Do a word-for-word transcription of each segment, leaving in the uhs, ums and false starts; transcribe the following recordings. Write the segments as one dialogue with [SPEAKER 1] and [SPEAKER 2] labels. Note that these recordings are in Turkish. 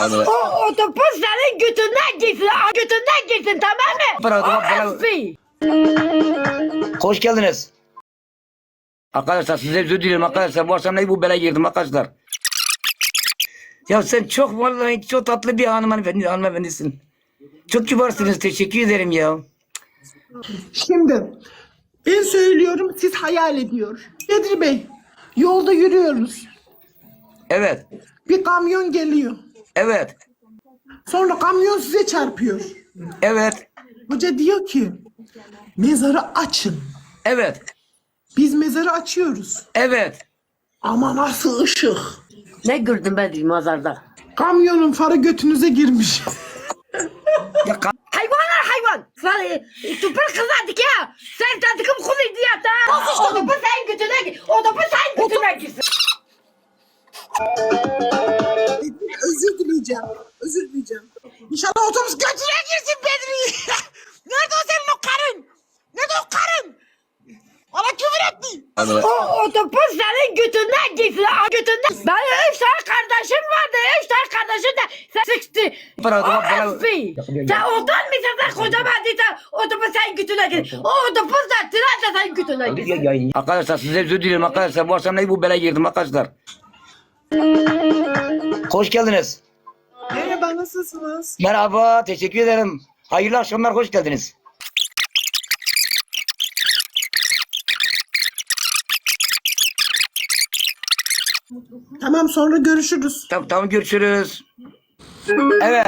[SPEAKER 1] O otobüs senin götünden gitsin. Götünden gitsin, tamam mı? O S P.
[SPEAKER 2] Hoş geldiniz. Arkadaşlar size özür dilerim arkadaşlar. Bu akşam ne bu bela girdim arkadaşlar. Ya sen çok vallahi çok tatlı bir hanımefendi, hanımefendisin. Çok kibarsınız, teşekkür ederim ya.
[SPEAKER 3] Şimdi ben söylüyorum, siz hayal ediyor. Bedri Bey, yolda yürüyoruz.
[SPEAKER 2] Evet,
[SPEAKER 3] Bir kamyon geliyor.
[SPEAKER 2] evet,
[SPEAKER 3] Sonra kamyon size çarpıyor.
[SPEAKER 2] evet,
[SPEAKER 3] Hoca diyor ki mezarı açın.
[SPEAKER 2] evet,
[SPEAKER 3] Biz mezarı açıyoruz.
[SPEAKER 2] evet.
[SPEAKER 3] Ama nasıl ışık?
[SPEAKER 1] Ne gördün Bedri mazarda?
[SPEAKER 3] Kamyonun farı götünüze girmiş.
[SPEAKER 2] Ya, ka-
[SPEAKER 1] Hayvanlar hayvan. Sen tüpür kızardık ya. Sen tadıkım kulu diyet ha. Otobüs senin götüne git. Otobüs senin götüne gitsin.
[SPEAKER 3] Özür dileyeceğim. Özür dileyeceğim. İnşallah otobüs götüne girsin Bedri. Nerede o senin o karın? Nerede o karın? Bana küfür etti.
[SPEAKER 1] O otobüs senin götünden gitsin. Götünden. Benim üç tane kardeşim vardı. Üç tane kardeşim de sen sıçtı. O S P. Sen ondan mı sen kocaman değilsen otobüs senin götüne git. O otobüs de tren de senin götüne gitsin.
[SPEAKER 2] Arkadaşlar size özür dilerim arkadaşlar. Bu akşam ne bu bela girdim arkadaşlar. Hoş geldiniz.
[SPEAKER 3] Merhaba, nasılsınız?
[SPEAKER 2] Merhaba, teşekkür ederim. Hayırlı akşamlar, hoş geldiniz.
[SPEAKER 3] Tamam, sonra görüşürüz.
[SPEAKER 2] Tamam, tamam görüşürüz. Evet.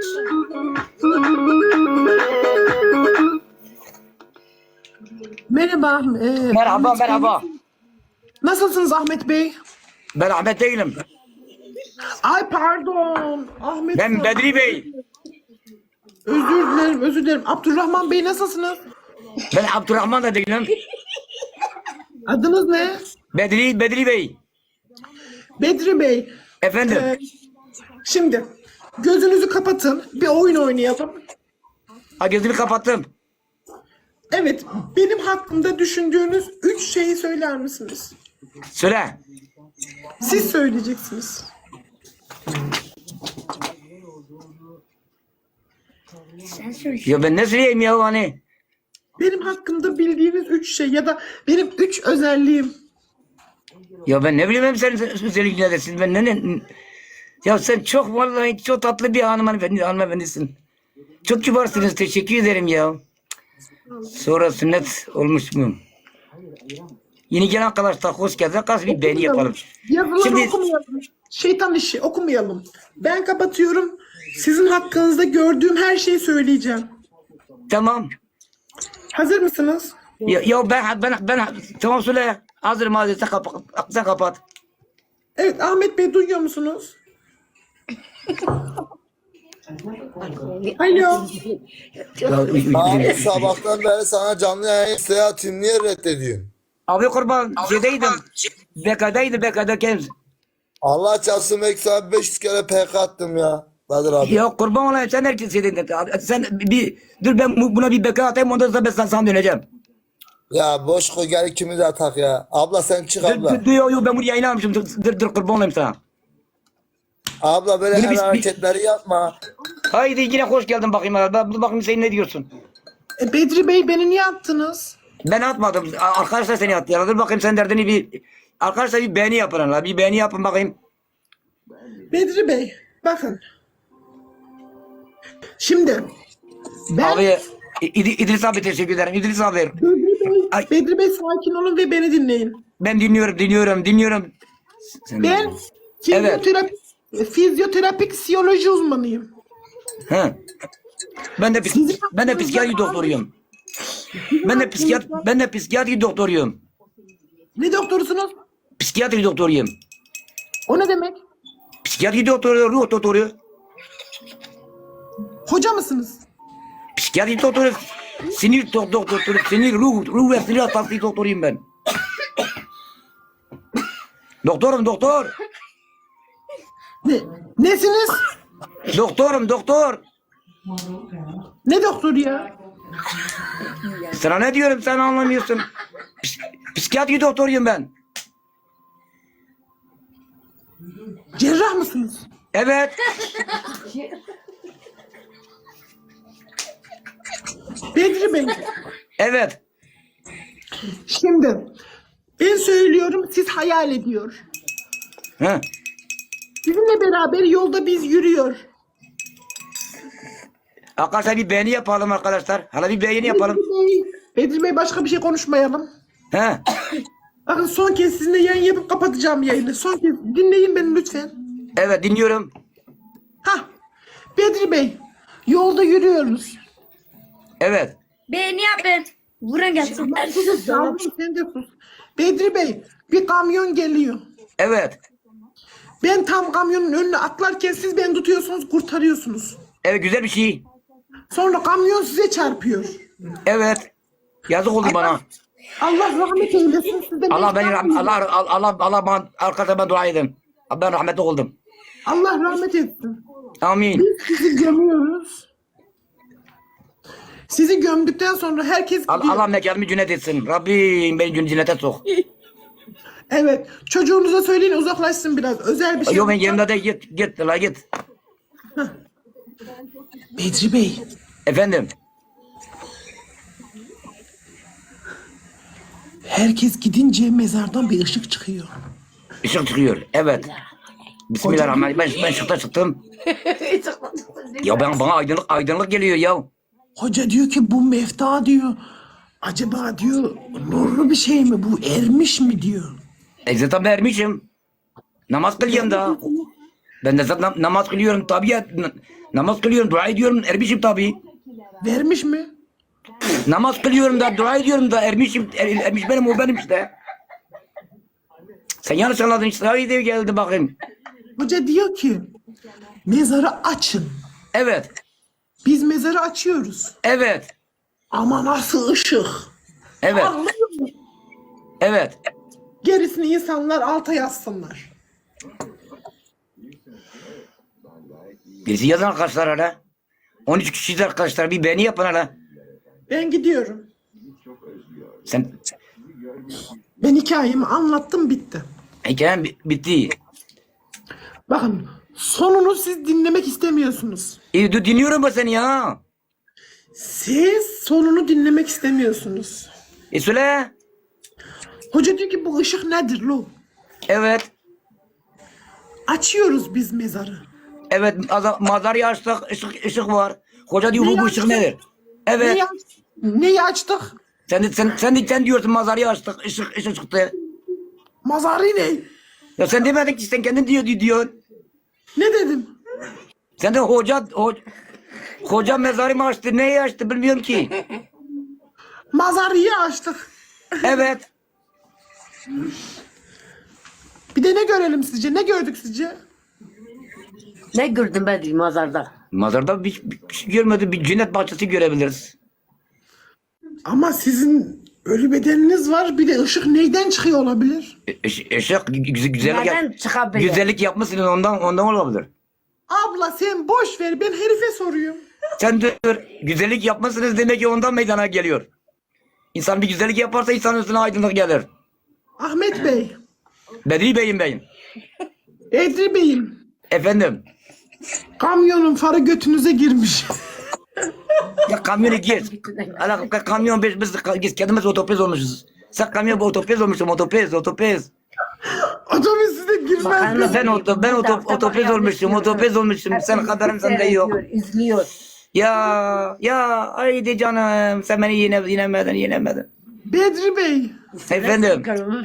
[SPEAKER 3] Merhaba. e,
[SPEAKER 2] Merhaba,
[SPEAKER 3] Ahmet Bey.
[SPEAKER 2] merhaba.
[SPEAKER 3] Nasılsınız Ahmet Bey?
[SPEAKER 2] Ben Ahmet değilim.
[SPEAKER 3] Ay pardon. Ahmet
[SPEAKER 2] Ben
[SPEAKER 3] Bey.
[SPEAKER 2] Bedri Bey.
[SPEAKER 3] Özür dilerim, özür dilerim. Abdurrahman Bey, nasılsınız?
[SPEAKER 2] Ben Abdurrahman da değilim.
[SPEAKER 3] Adınız ne?
[SPEAKER 2] Bedri, Bedri Bey.
[SPEAKER 3] Bedri Bey.
[SPEAKER 2] Efendim.
[SPEAKER 3] Ee, şimdi gözünüzü kapatın. Bir oyun oynayalım.
[SPEAKER 2] Ha, gözümü kapattım.
[SPEAKER 3] Evet, benim hakkımda düşündüğünüz üç şeyi söyler misiniz?
[SPEAKER 2] Söyle.
[SPEAKER 3] Siz söyleyeceksiniz.
[SPEAKER 2] Ya ben ne söyleyeyim ya hani?
[SPEAKER 3] Benim hakkımda bildiğiniz üç şey ya da benim üç özelliğim.
[SPEAKER 2] Ya ben ne bileyim hem senin özellikle neredesin? Ben ne, ne Ya sen çok vallahi çok tatlı bir hanımefendi, hanımefendisin. Çok kibarsınız, teşekkür ederim ya. Sonra sünnet olmuş muyum? Yeni gelen arkadaşlar hoş geldiniz. Arkadaşlar bir beğeni yapalım.
[SPEAKER 3] Yazıları
[SPEAKER 2] Şimdi
[SPEAKER 3] okumayalım. Şeytan işi okumayalım. Ben kapatıyorum. Sizin hakkınızda gördüğüm her şeyi söyleyeceğim.
[SPEAKER 2] tamam.
[SPEAKER 3] Hazır mısınız?
[SPEAKER 2] Ya, ya ben ben ben tamam söyle. Hazırım hazır. Sen kapat. Sen kapat.
[SPEAKER 3] Evet, Ahmet Bey, duyuyor musunuz? Alo.
[SPEAKER 4] Abi sabahtan beri sana canlı yayın seyahatim niye reddediyorsun?
[SPEAKER 2] Abi kurban şeydeydim. Bekadaydı bekadayken.
[SPEAKER 4] Allah çarpsın belki sana beş yüz kere P K attım ya. Kadir abi.
[SPEAKER 2] Ya kurban olayım sen herkes şeydeydin. Sen bir dur ben bu- buna bir beka atayım ondan sonra ben sana, sana döneceğim.
[SPEAKER 4] Ya boş koy gel ikimiz de atak ya. Abla sen çık
[SPEAKER 2] Dur,
[SPEAKER 4] abla.
[SPEAKER 2] dur, dur, yo, yo, ben bunu yayınlamışım. Dur, dur, dur kurban olayım sana.
[SPEAKER 4] Abla böyle
[SPEAKER 2] Bunu
[SPEAKER 4] el
[SPEAKER 2] biz-
[SPEAKER 4] hareketleri yapma.
[SPEAKER 2] Haydi yine hoş geldin bakayım. Ben, dur bakayım sen ne diyorsun?
[SPEAKER 3] E, Bedri Bey, beni niye attınız?
[SPEAKER 2] Ben atmadım. Arkadaşlar seni attı. Ya. Dur bakayım sen derdini bir... Arkadaşlar bir beğeni yapın la. Bir beğeni yapın bakayım.
[SPEAKER 3] Bedri Bey, bakın. Şimdi ben
[SPEAKER 2] Abi İd- İdris abi teşekkür ederim. İdris abi.
[SPEAKER 3] Bedri Bey,
[SPEAKER 2] Ay.
[SPEAKER 3] Bedri Bey sakin olun ve beni dinleyin.
[SPEAKER 2] Ben dinliyorum, dinliyorum, dinliyorum. Sen
[SPEAKER 3] Ben fizyoterapi, fizyoterapi psikoloji uzmanıyım.
[SPEAKER 2] He. Ben de psik ben de psikiyatri doktoruyum. Ben de psikiyat ben de psikiyatri doktoruyum.
[SPEAKER 3] Ne doktorusunuz?
[SPEAKER 2] Psikiyatri doktoruyum.
[SPEAKER 3] O ne demek?
[SPEAKER 2] Psikiyatri doktoru, ruh doktoru.
[SPEAKER 3] Hoca mısınız?
[SPEAKER 2] Psikiyatri doktoru, sinir do- doktoru, sinir ruh, ruh ve sinir hastası doktoruyum ben. Doktorum, doktor.
[SPEAKER 3] Ne? Nesiniz?
[SPEAKER 2] Doktorum, doktor.
[SPEAKER 3] Ne doktoru ya?
[SPEAKER 2] Sana ne diyorum sen anlamıyorsun. Psik psikiyatri doktoruyum ben.
[SPEAKER 3] Cerrah mısınız?
[SPEAKER 2] Evet.
[SPEAKER 3] Bedri Bey,
[SPEAKER 2] Evet.
[SPEAKER 3] şimdi ben söylüyorum, siz hayal ediyor.
[SPEAKER 2] Hı.
[SPEAKER 3] Sizinle beraber yolda biz yürüyor.
[SPEAKER 2] Arkadaşlar bir beğeni yapalım arkadaşlar. Hala bir beğeni yapalım.
[SPEAKER 3] Bedri Bey, Bedri Bey başka bir şey konuşmayalım.
[SPEAKER 2] He.
[SPEAKER 3] Bakın son kez sizinle yayın yapıp kapatacağım yayını. Son kez dinleyin beni lütfen.
[SPEAKER 2] Evet dinliyorum.
[SPEAKER 3] Hah, Bedri Bey, yolda yürüyoruz.
[SPEAKER 2] Evet.
[SPEAKER 1] Beğeni yapın. Vurun gelsin.
[SPEAKER 3] Yavrum sen de sus. Bedri Bey, bir kamyon geliyor.
[SPEAKER 2] Evet.
[SPEAKER 3] Ben tam kamyonun önüne atlarken siz beni tutuyorsunuz, kurtarıyorsunuz.
[SPEAKER 2] Evet güzel bir şey.
[SPEAKER 3] Sonra kamyon size çarpıyor.
[SPEAKER 2] Evet. Yazık oldu bana.
[SPEAKER 3] Allah rahmet eylesin. Siz de
[SPEAKER 2] Allah beni
[SPEAKER 3] mecbur-
[SPEAKER 2] rahmet Allah Allah Allah Allah bana arkadaşlar ben dua edin. Ben rahmetli oldum.
[SPEAKER 3] Allah rahmet etsin.
[SPEAKER 2] Amin.
[SPEAKER 3] Biz sizi gömüyoruz. Sizi gömdükten sonra herkes
[SPEAKER 2] Allah,
[SPEAKER 3] gidiyor.
[SPEAKER 2] Allah mekanımı cennet etsin. Rabbim beni cennete sok.
[SPEAKER 3] Evet. Çocuğunuza söyleyin uzaklaşsın biraz. Özel bir şey.
[SPEAKER 2] Yok ben yerimde de git git la git.
[SPEAKER 3] Bedri Bey.
[SPEAKER 2] Efendim.
[SPEAKER 3] Herkes gidince mezardan bir ışık çıkıyor.
[SPEAKER 2] Işık çıkıyor. Evet. Bismillahirrahmanirrahim. Ben, ben ışıkta çıktım. Ya ben bana aydınlık aydınlık geliyor ya.
[SPEAKER 3] Hoca diyor ki bu mefta diyor. Acaba diyor nurlu bir şey mi bu, ermiş mi diyor.
[SPEAKER 2] E zaten ben ermişim. Namaz kılıyorum da. Ben de zaten nam- namaz kılıyorum tabii ya. N- namaz kılıyorum, dua ediyorum, ermişim tabii.
[SPEAKER 3] Vermiş mi?
[SPEAKER 2] Namaz kılıyorum da, dua ediyorum da ermişim. Er, ermiş benim, o benim işte. Sen yanlış anladın işte. Haydi geldi bakayım.
[SPEAKER 3] Hoca diyor ki mezarı açın.
[SPEAKER 2] Evet,
[SPEAKER 3] Biz mezarı açıyoruz.
[SPEAKER 2] evet,
[SPEAKER 3] Ama nasıl ışık?
[SPEAKER 2] evet,
[SPEAKER 3] Anlıyor musun?
[SPEAKER 2] evet.
[SPEAKER 3] Gerisini insanlar alta yazsınlar.
[SPEAKER 2] Birisi yazın arkadaşlar hala. on üç kişiyiz arkadaşlar. Bir beğeni yapın hala.
[SPEAKER 3] Ben gidiyorum.
[SPEAKER 2] Sen
[SPEAKER 3] Ben hikayemi anlattım, bitti.
[SPEAKER 2] hikayen bi- bitti.
[SPEAKER 3] Bakın sonunu siz dinlemek istemiyorsunuz.
[SPEAKER 2] İyi dur dinliyorum ben seni ya.
[SPEAKER 3] Siz sonunu dinlemek istemiyorsunuz.
[SPEAKER 2] E söyle.
[SPEAKER 3] Hoca diyor ki bu ışık nedir lo?
[SPEAKER 2] Evet.
[SPEAKER 3] Açıyoruz biz mezarı.
[SPEAKER 2] Evet, aza- mazarayı açtık, ışık, ışık var. Hoca diyor bu,
[SPEAKER 3] Neyi
[SPEAKER 2] bu ışık
[SPEAKER 3] açtık?
[SPEAKER 2] nedir? Evet.
[SPEAKER 3] Neyi, aç- neyi açtık?
[SPEAKER 2] Sen de, sen, sen, de, sen diyorsun mazarayı açtık, ışık, ışık çıktı.
[SPEAKER 3] Mazarı ne?
[SPEAKER 2] Ya sen demedin ki sen kendin diyor, diyor.
[SPEAKER 3] Ne dedim?
[SPEAKER 2] Sen de hoca, hoca, hoca mezarı mı açtı, neyi açtı bilmiyorum ki.
[SPEAKER 3] Mazarıyı açtık.
[SPEAKER 2] Evet.
[SPEAKER 3] Bir de ne görelim sizce? Ne gördük sizce?
[SPEAKER 1] Ne gördün Bedri mazarda?
[SPEAKER 2] Mazarda bir, bir şey görmedim, bir cennet bahçesi görebiliriz.
[SPEAKER 3] Ama sizin ölü bedeniniz var. Bir de ışık neyden çıkıyor olabilir?
[SPEAKER 2] I- ışık, ışık güzel, güzellik,
[SPEAKER 1] Nereden
[SPEAKER 2] yap,
[SPEAKER 1] çıkabilir?
[SPEAKER 2] güzellik yapmışsın ondan, ondan olabilir.
[SPEAKER 3] Abla sen boş ver. Ben herife soruyorum.
[SPEAKER 2] Sen dur, güzellik yapmışsınız demek ki ondan meydana geliyor. İnsan bir güzellik yaparsa insanın üstüne aydınlık gelir.
[SPEAKER 3] Ahmet Bey.
[SPEAKER 2] Bedri Bey'im beyim.
[SPEAKER 3] Edri Bey'im.
[SPEAKER 2] Efendim.
[SPEAKER 3] Kamyonun farı götünüze girmiş.
[SPEAKER 2] Ya kamyonu geç. Ala ka- kamyon biz biz biz kendimiz otopez olmuşuz. Sen kamyon otopez olmuşsun, otopez, otopez.
[SPEAKER 3] Otobüs size girmez.
[SPEAKER 1] Bakalım.
[SPEAKER 2] Ben oto ben oto, otopez olmuşum, otopez olmuşum. Sen kadarın sende yok.
[SPEAKER 1] İzliyor.
[SPEAKER 2] Ya ya haydi canım sen beni yine yenemedin, yenemedin.
[SPEAKER 3] Bedri Bey.
[SPEAKER 2] Efendim.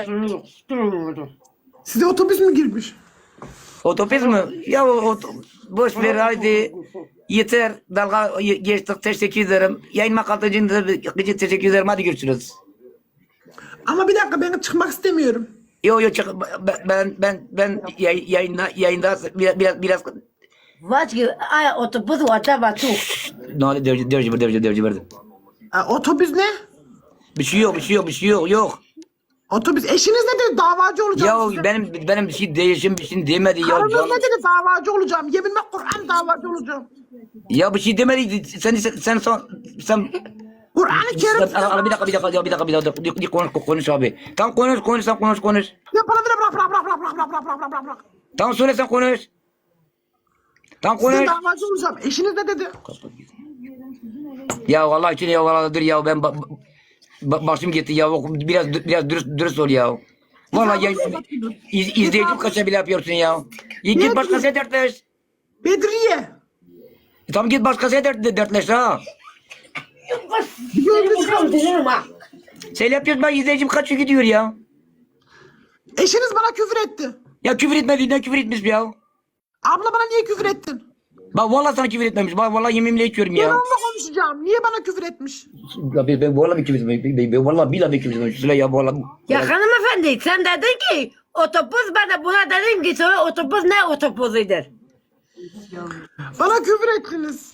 [SPEAKER 3] Size otobüs mü girmiş?
[SPEAKER 2] Otopez mi? Ya o, o- boş ver haydi. Yeter. Dalga ye- geçtik. Teşekkür ederim. Yayınma katıcında gıcık teşekkür ederim. Hadi görüşürüz.
[SPEAKER 3] Ama bir dakika, ben çıkmak istemiyorum.
[SPEAKER 2] Yo yo çık ben ben ben, ben yay- yayında yayında biraz biraz biraz
[SPEAKER 1] Vazgeç. Ay otobüs var tu.
[SPEAKER 2] ne oldu devci devci devci devci verdim.
[SPEAKER 3] Ha, otobüs ne?
[SPEAKER 2] Bir şey yok bir şey yok bir şey yok yok.
[SPEAKER 3] Otobüs eşiniz ne dedi? Davacı olacağım
[SPEAKER 2] Ya
[SPEAKER 3] size.
[SPEAKER 2] benim benim bir şey değişim bir şey demedi ya
[SPEAKER 3] Karınız
[SPEAKER 2] canım.
[SPEAKER 3] ne dedi? Davacı olacağım. Yeminle Kur'an davacı olacağım.
[SPEAKER 2] Ya bir şey demedi sen sen sen sen, sen
[SPEAKER 3] Kur'an-ı Kerim.
[SPEAKER 2] Al- al- bir dakika bir dakika ya bir dakika bir dakika bir- bir konuş konuş abi. Tamam konuş konuş sen konuş konuş.
[SPEAKER 3] Ya bana bırak bırak bırak bırak bırak bırak bırak bırak bırak bırak.
[SPEAKER 2] Tamam söyle sen konuş. Tam
[SPEAKER 3] Sizin
[SPEAKER 2] konuş.
[SPEAKER 3] davacı olacağım. Eşiniz ne dedi?
[SPEAKER 2] Ya vallahi için ya vallahi dur ya ben ba- ba- başım gitti ya biraz biraz dürüst, dürüst ol ya. Vallahi ya, iz, izleyicim kaça bile yapıyorsun ya. Ya git başkasıyla dertleş.
[SPEAKER 3] Bedriye.
[SPEAKER 2] E tamam git başkasıyla dert, dertleş ha.
[SPEAKER 1] Seni kaldırırım ha.
[SPEAKER 2] Sen yapıyorsun ben izleyicim kaçıyor gidiyor ya.
[SPEAKER 3] Eşiniz bana küfür etti.
[SPEAKER 2] Ya küfür etmediğinden küfür etmiş ya.
[SPEAKER 3] Abla bana niye küfür ettin?
[SPEAKER 2] Bak vallahi sana küfür etmemiş. Bak vallahi yeminle içiyorum
[SPEAKER 3] Ben
[SPEAKER 2] ya.
[SPEAKER 3] onunla konuşacağım. Niye bana küfür etmiş?
[SPEAKER 2] Ya ben, ben vallahi bir küfür etmemiş. Ben, ben, ben vallahi billahi bir küfür etmemiş. Söyle ya vallahi.
[SPEAKER 1] Ya hanımefendi sen dedin ki otobüs, ben de buna dedim ki sonra otobüs ne otobüsüdür?
[SPEAKER 3] Bana küfür ettiniz.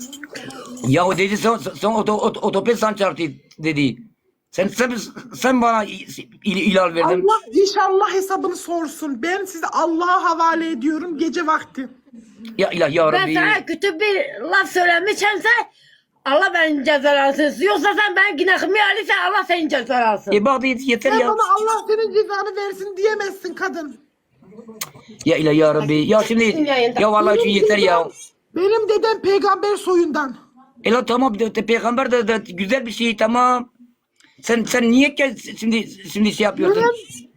[SPEAKER 2] Ya o dedi son, son oto, oto, otobüs sen çarptı dedi. Sen sen, sen bana il, ilal verdin.
[SPEAKER 3] Allah inşallah hesabını sorsun. Ben sizi Allah'a havale ediyorum gece vakti.
[SPEAKER 2] Ya ilah ya
[SPEAKER 1] Ben
[SPEAKER 2] Rabbi.
[SPEAKER 1] sana kötü bir laf söylemişimse Allah beni cezalansın. Yoksa sen benim günahımı alırsan Allah seni cezalansın.
[SPEAKER 2] E bak yeter
[SPEAKER 3] Sen
[SPEAKER 2] ya.
[SPEAKER 3] bana Allah senin cezanı versin diyemezsin kadın.
[SPEAKER 2] Ya ilah ya Rabbi. Ya şimdi ya vallahi için yeter ya.
[SPEAKER 3] Benim dedem peygamber soyundan.
[SPEAKER 2] E la tamam de, de, peygamber de, de güzel bir şey tamam. Sen sen niye gel şimdi şimdi şey yapıyorsun?
[SPEAKER 3] Benim-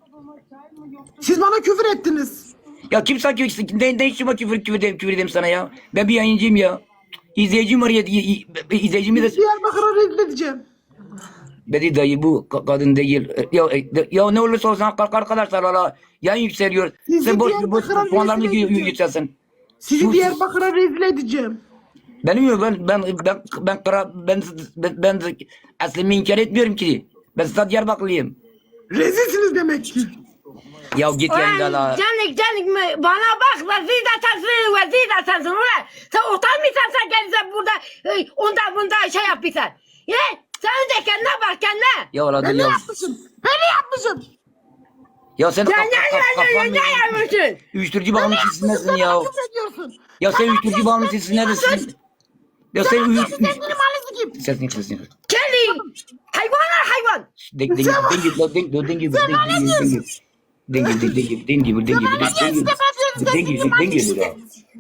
[SPEAKER 3] Siz bana küfür ettiniz.
[SPEAKER 2] Ya kim sanki ne, ne işime küfür küfür edeyim, küfür edeyim sana ya. Ben bir yayıncıyım ya. İzleyicim var ya. i- i- izleyicimi de...
[SPEAKER 3] Diyarbakır'a rezil edeceğim.
[SPEAKER 2] Bedi dayı bu ka- kadın değil. Ya, e, ya ne olursa olsun kalk arkadaşlar valla. Yayın yükseliyor.
[SPEAKER 3] Sizi
[SPEAKER 2] Sen boş boş
[SPEAKER 3] Diyarbakır'a
[SPEAKER 2] puanlarını
[SPEAKER 3] rezil edeceğim.
[SPEAKER 2] yükselsin.
[SPEAKER 3] Sizi
[SPEAKER 2] Sus.
[SPEAKER 3] Diyarbakır'a rezil edeceğim.
[SPEAKER 2] Benim yok ben ben ben ben kara ben ben, ben aslımı inkar etmiyorum ki. Ben sadece Diyarbakırlıyım.
[SPEAKER 3] Rezilsiniz demek ki.
[SPEAKER 2] Ya git yayında la.
[SPEAKER 1] Canik canik mi? Bana bak vezir de sensin, vezir de sensin. Ulan sen utanmıyorsan sen gelirsen burada e, onda bunda şey yapıyorsan. Ye? Sen önce kendine bak kendine.
[SPEAKER 2] Ya valla
[SPEAKER 3] Ben
[SPEAKER 2] dur
[SPEAKER 3] ne
[SPEAKER 2] ya.
[SPEAKER 3] yapmışım? Ben ne yapmışım?
[SPEAKER 2] Ya sen
[SPEAKER 1] Ya
[SPEAKER 2] kaf-
[SPEAKER 1] ne
[SPEAKER 2] kaf-
[SPEAKER 1] ya ya ya
[SPEAKER 2] kafanı-
[SPEAKER 1] ne yapmışsın?
[SPEAKER 2] Uyuşturucu bağımlısı nesin
[SPEAKER 3] Sen
[SPEAKER 2] ya?
[SPEAKER 3] bana küfür ediyorsun.
[SPEAKER 2] Ya sen uyuşturucu bağımlısı neredesin? Ya sen
[SPEAKER 3] Sen
[SPEAKER 2] uyuşturucu...
[SPEAKER 3] benim halinizi kim?
[SPEAKER 2] Sesini sesini.
[SPEAKER 1] Kelly. Hayvanlar hayvan.
[SPEAKER 2] Deng deng deng deng deng deng deng deng deng deng deng deng deng deng gibi deng gibi deng gibi deng gibi deng gibi ya.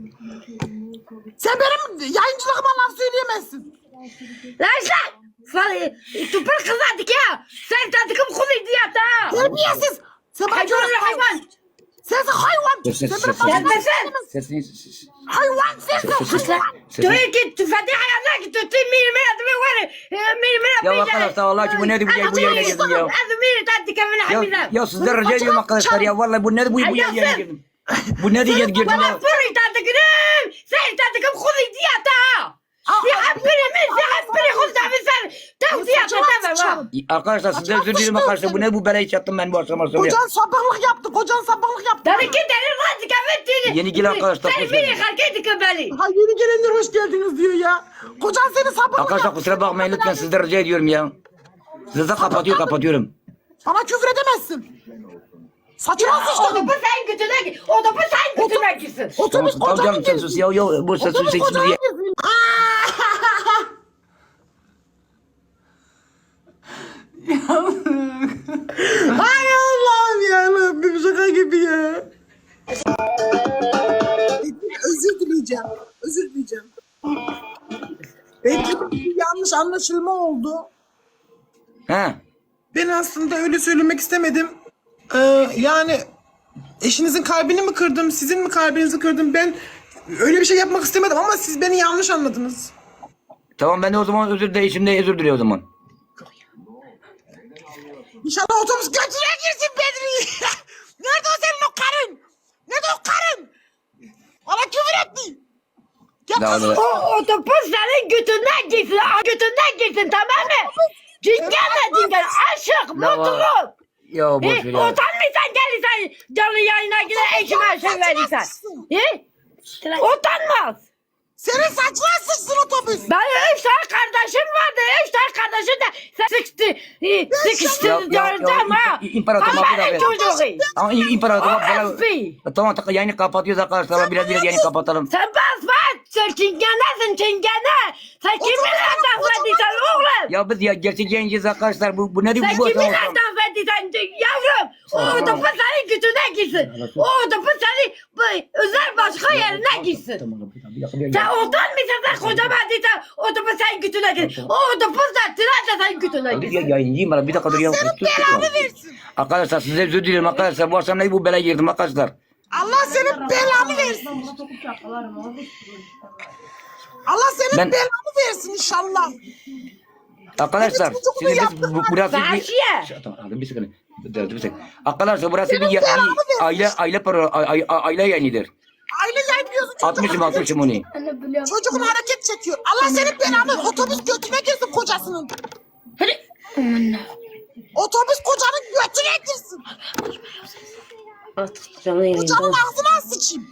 [SPEAKER 3] Sen benim yayıncılığıma laf söyleyemezsin.
[SPEAKER 1] Lan sen. Sen tupur kızardık ya. Sen tadıkım kulu diyata.
[SPEAKER 3] Terbiyesiz. Sen bana
[SPEAKER 1] Hayvanlar
[SPEAKER 3] küfür
[SPEAKER 1] hayvan.
[SPEAKER 3] Sensin hayvan.
[SPEAKER 2] Ses,
[SPEAKER 3] Sen
[SPEAKER 2] ses,
[SPEAKER 3] benim
[SPEAKER 2] ses,
[SPEAKER 3] bana
[SPEAKER 1] Sen
[SPEAKER 3] laf
[SPEAKER 1] de sen.
[SPEAKER 3] söyleyemezsin.
[SPEAKER 2] Sesini
[SPEAKER 3] Hayvan sensin
[SPEAKER 2] Ses-
[SPEAKER 3] hayvan.
[SPEAKER 2] sesini.
[SPEAKER 1] Diyor ki tüfeği hayatlar ki tuttu mirmir adımı var. Mirmir
[SPEAKER 2] Ya arkadaşlar vallahi ki bu nedir bu yayın bu yayına girdim ya.
[SPEAKER 1] Azmir tadık evine
[SPEAKER 2] Ya,
[SPEAKER 1] hamile.
[SPEAKER 2] ya sizden rica ediyorum arkadaşlar ya vallahi bu nedir bu bu yayına girdim. Bu ne diye girdim
[SPEAKER 1] Bana
[SPEAKER 2] ya.
[SPEAKER 1] fırı tadıkım. Sen tadıkım kulu diyata. Sihab birimi sihab biri kulu da sen. Tav diyata tamam.
[SPEAKER 2] Arkadaşlar sizden özür dilerim arkadaşlar bu ne bu belayı çattım ben bu akşam akşam ya.
[SPEAKER 3] Kocan sabahlık yaptı. Kocan sabahlık yaptı.
[SPEAKER 1] Tabii ki deli razı kafetini.
[SPEAKER 2] Yeni gelen arkadaşlar,
[SPEAKER 1] Sen
[SPEAKER 2] hoş
[SPEAKER 1] biri
[SPEAKER 2] geldiniz.
[SPEAKER 1] hareket beni.
[SPEAKER 3] Ha yeni gelenler hoş geldiniz diyor ya. Kocan seni sabahlık
[SPEAKER 2] Arkadaşlar
[SPEAKER 3] yaptı.
[SPEAKER 2] kusura bakmayın lütfen sizden rica ediyorum ya. Size kapatıyor kapatıyorum.
[SPEAKER 3] Bana küfür edemezsin. Saçına sıçtın.
[SPEAKER 1] Otobüs sen götüne git. Otobüs sen götüne gitsin.
[SPEAKER 2] Tamam,
[SPEAKER 3] Otobüs
[SPEAKER 2] tamam
[SPEAKER 3] kocanı
[SPEAKER 2] canım sen
[SPEAKER 3] gezsin.
[SPEAKER 2] sus ya. Ya bu ses
[SPEAKER 3] Otobüs
[SPEAKER 2] sesini
[SPEAKER 3] kocanı
[SPEAKER 2] diye.
[SPEAKER 3] gezsin. Hay Allah'ım ya Rabbim şaka gibi ya. Özür dileyeceğim. Özür dileyeceğim. Belki bir yanlış anlaşılma oldu.
[SPEAKER 2] Ha.
[SPEAKER 3] Ben aslında öyle söylemek istemedim. Ee, yani eşinizin kalbini mi kırdım, sizin mi kalbinizi kırdım? Ben öyle bir şey yapmak istemedim ama siz beni yanlış anladınız.
[SPEAKER 2] Tamam ben de o zaman özür de şimdi özür diliyorum o zaman.
[SPEAKER 3] İnşallah otobüs götüne girsin Bedri. Nerede o senin o karın? Nerede o karın? Bana küfür etti. Ya
[SPEAKER 2] Daha
[SPEAKER 3] kızım,
[SPEAKER 2] da-
[SPEAKER 1] O otobüs senin götünden gitsin. Götünden gitsin tamam mı? Cingenle cingen. Aşık, mutluluk.
[SPEAKER 2] Ya boş
[SPEAKER 1] He,
[SPEAKER 2] ver ya.
[SPEAKER 1] utanmıyorsan gelirsen canlı yayına gider eşime şey verirsen. He? Utanmaz.
[SPEAKER 3] senin saçına sıçsın otobüs.
[SPEAKER 1] Benim üç tane kardeşim vardı. Üç tane kardeşim de sıkıştı. Sıkıştı
[SPEAKER 2] Ya- ya- ya,
[SPEAKER 1] gördüm ha.
[SPEAKER 2] İ- İmparator Mahmut
[SPEAKER 1] Kafanın
[SPEAKER 2] abi.
[SPEAKER 1] çocuğu.
[SPEAKER 2] Ama İ- İmparator
[SPEAKER 1] O
[SPEAKER 2] Mahmut
[SPEAKER 1] F B.
[SPEAKER 2] abi. Tamam tamam yayını kapatıyoruz arkadaşlar. Biraz biraz yayını kapatalım.
[SPEAKER 1] Sen bas bas. Sen çingenesin çingene. Sen kiminle laf ediyorsun oğlum?
[SPEAKER 2] Ya biz ya gerçek yayıncıyız arkadaşlar. Bu, bu nedir
[SPEAKER 1] Sen
[SPEAKER 2] bu? bu
[SPEAKER 1] kiminle
[SPEAKER 2] bu-
[SPEAKER 1] laf verdiysen yavrum o otobüs senin götüne gitsin. O otobüs senin bu özel başka yerine gitsin. Sen utanmıyorsan sen koca verdiysen otobüs senin götüne gitsin. O otobüs de tren de senin götüne gitsin.
[SPEAKER 2] Ya yayıncıyım bana bir dakika dur ya.
[SPEAKER 3] Senin belanı versin.
[SPEAKER 2] Arkadaşlar size özür dilerim arkadaşlar. Bu akşam ne bu belaya girdim arkadaşlar.
[SPEAKER 3] Allah senin belanı versin. Allah senin
[SPEAKER 2] Ben-
[SPEAKER 3] belanı versin inşallah.
[SPEAKER 2] Arkadaşlar
[SPEAKER 3] Benim çocuğumu
[SPEAKER 2] şimdi biz
[SPEAKER 3] yaptın
[SPEAKER 2] bu,
[SPEAKER 3] lan.
[SPEAKER 2] burası bir...
[SPEAKER 1] Vahşiye.
[SPEAKER 2] Tamam aldım bir saniye. Dur, dur, bir saniye. Arkadaşlar burası bir,
[SPEAKER 3] Senin
[SPEAKER 2] ya-
[SPEAKER 3] belanı
[SPEAKER 2] bir
[SPEAKER 3] versin.
[SPEAKER 2] aile aile para aile, aile yayınıdır.
[SPEAKER 3] Aile yayınlıyorsun. çocuk
[SPEAKER 2] Atmışım
[SPEAKER 3] hareket
[SPEAKER 2] atmışım onu.
[SPEAKER 3] çekiyor. Çocuğun hareket çekiyor. Allah senin belanı otobüs götüne girsin kocasının. Otobüs kocanın götüne girsin.
[SPEAKER 1] Canlı yayında.
[SPEAKER 3] Kocanın ağzına sıçayım.